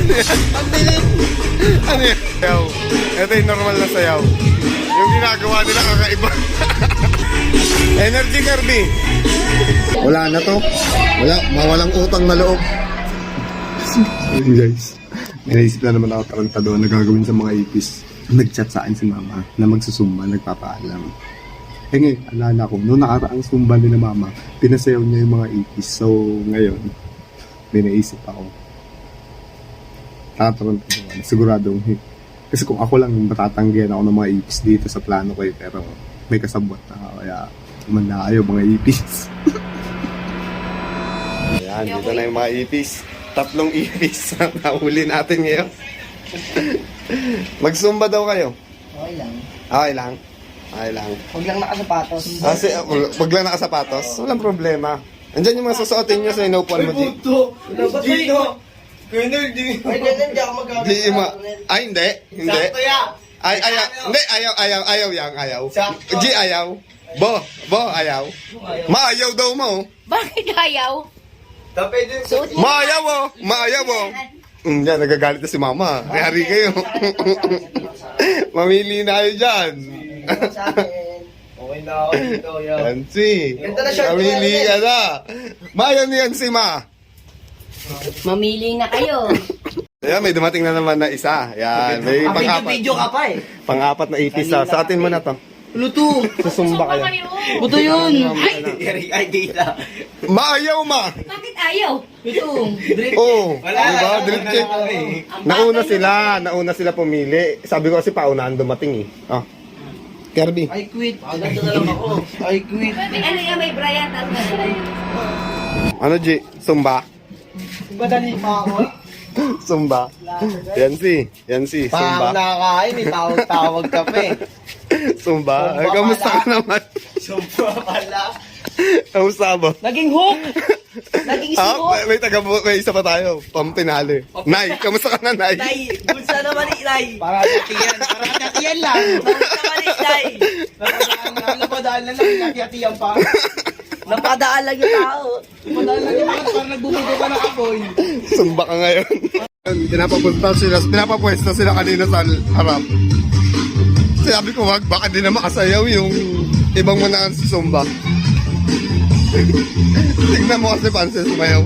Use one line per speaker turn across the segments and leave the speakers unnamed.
Ang bilis!
Ano yan? Sayaw. Ito yung normal na sayaw. Yung ginagawa nila kakaiba. Energy Kirby. Wala na to. Wala. Mawalang utang na loob. Guys, may naisip na naman ako tarantado na gagawin sa mga ipis. Nag-chat sa akin si mama na magsusumba, nagpapaalam. Eh ngayon, alala ko, noong nakaraang sumba ni na mama, pinasayaw niya yung mga ipis. So, ngayon, may naisip ako. Tatarantado ako. Siguradong, kasi kung ako lang matatanggihan ako ng mga ipis dito sa plano ko pero may kasabot na ako, kaya manaayaw mga ipis. Ayan, dito na yung mga ipis. 3 ipis na nahuli natin ngayon. Magsumba daw kayo.
Okay lang.
Okay lang. Okay lang.
Huwag lang nakasapatos.
Kasi wag lang nakasapatos. Walang problema. Andyan yung mga susuotin nyo sa inupuan mo, G.
Gino! Ay, ganun, hindi ako
Di ma... Ay, hindi. Hindi.
Sakto yan!
Ay, ayaw. Hindi, ayaw yang, ayaw.
Sakto.
G, ayaw. Bo, ayaw. Maayaw daw mo.
Bakit ayaw?
Tapay din.
Maayaw mo. Yan, nagagalit na si mama. Hari kayo. Mamili na kayo dyan.
Sa akin. Okay na ako dito, yo.
Yancy.
Ganda na short ko
Mamili
yan,
ka na. Maayaw ni Yancy, ma.
Mamili na kayo.
Ayan, may dumating na naman na isa. Yan, may pang-apat.
Video ka pa eh.
Pang-apat na ipis. Sa atin mo na to.
Luto.
Susumba kayo.
Buto yun. Ay, di na.
Maayaw, ma.
Bakit ayaw?
Ito. Drip.
Oo.
Wala,
Diba?
wala,
Drip
wala
check.
na kami.
Nauna sila pumili. Sabi ko kasi paunahan dumating eh. Oh. Kirby.
I quit. Nandito na lang ako. I quit.
Ano yung may Brian?
Ano, G? Sumba?
Madali pa ako.
Sumba. Yancy.
Pa ako
Sumba.
nakakain eh. Tawag-tawag ka pa eh.
Sumba. Ay,
Sumba
kamusta
pala.
ka naman?
Sumpa pala.
Kamusta ba?
Naging hook. Naging hook.
May isa pa tayo. Pampinali. Nay, kamusta ka na, Nay?
Nay, bulsa naman ni Nay. Para hati-hatiyan lang. Bulsa naman ni Nay. Napadaan na lang, hati-hatiyan pa. Napadaan lang yung tao. Napadaan lang yung tao, parang nagbubugo ka ng apoy.
Sumba ka ngayon. Pinapapwesto sila kanina sa harap. Sabi ko, wag, baka di na makasayaw yung ibang manaan sa Sumba. Tignan mo kasi Pansel sumayaw.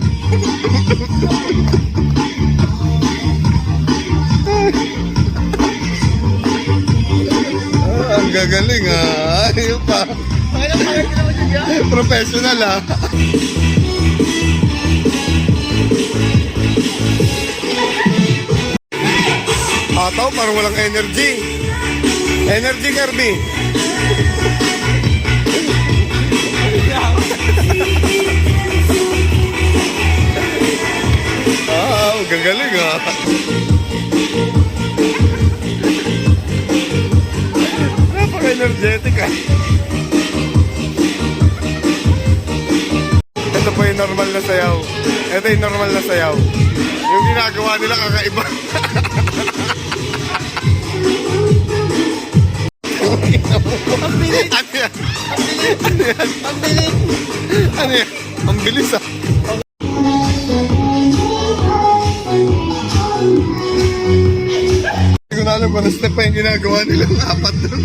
Ang gagaling ah. Ayun pa. Professional ah. Ataw, parang walang energy. Energy Kirby. Gagaling ah. Napaka-energetic ah. Ito po yung normal na sayaw. Ito yung normal na sayaw. Yung ginagawa nila kakaiba.
Ang bilis!
Ano yan?
Ang bilis! Ang bilis!
Ano yan? Ang bilis ah. Hindi ko na alam kung ano step pa yung ginagawa nilang apat doon.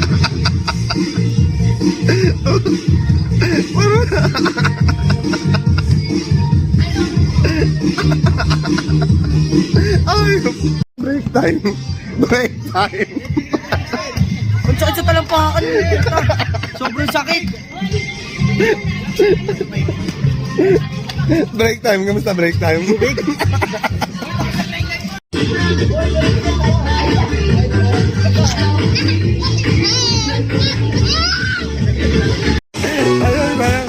Ay, break time. Break time.
Ang sakit sa talampakan. Sobrang sakit.
Break time. Kamusta break time? Ayun, parang...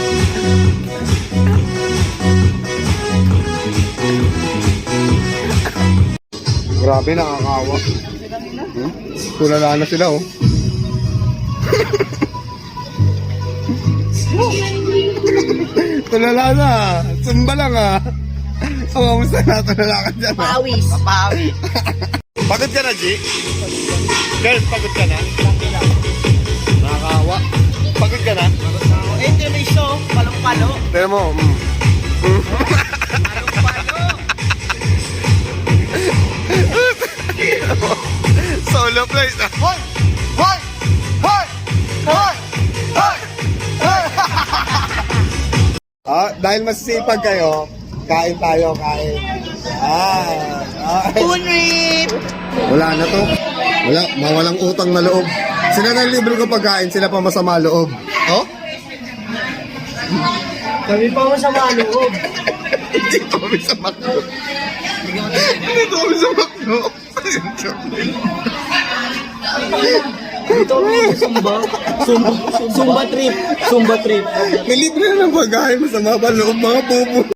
Grabe, nakakawa. Tulala na sila, oh. Tulala na. Sumba lang, ah. Kamusta na? Tulala ka dyan, ah.
Pawis.
Papawi.
Pagod ka na, G? Girl, pagod ka na? Nakakawa. Pagod ka na?
Eh, ito na iso. Palong-palo.
Tignan mo,
Palong-palo.
Hoy! Hoy! Hoy! Hoy! Hoy! Hoy! Dahil masisipag kayo, kain tayo, kain.
Punrip!
Wala na to. Wala, mawalang utang na loob. Sila na libre ko pagkain, sila pa masama loob. Oh?
Kami pa masama loob.
Hindi kami sa makno. Hindi kami sa makno.
Dito kami sa Sumba. Sumba trip. Sumba trip.
May libre na ng pagkain, masama pa loob mga pupo.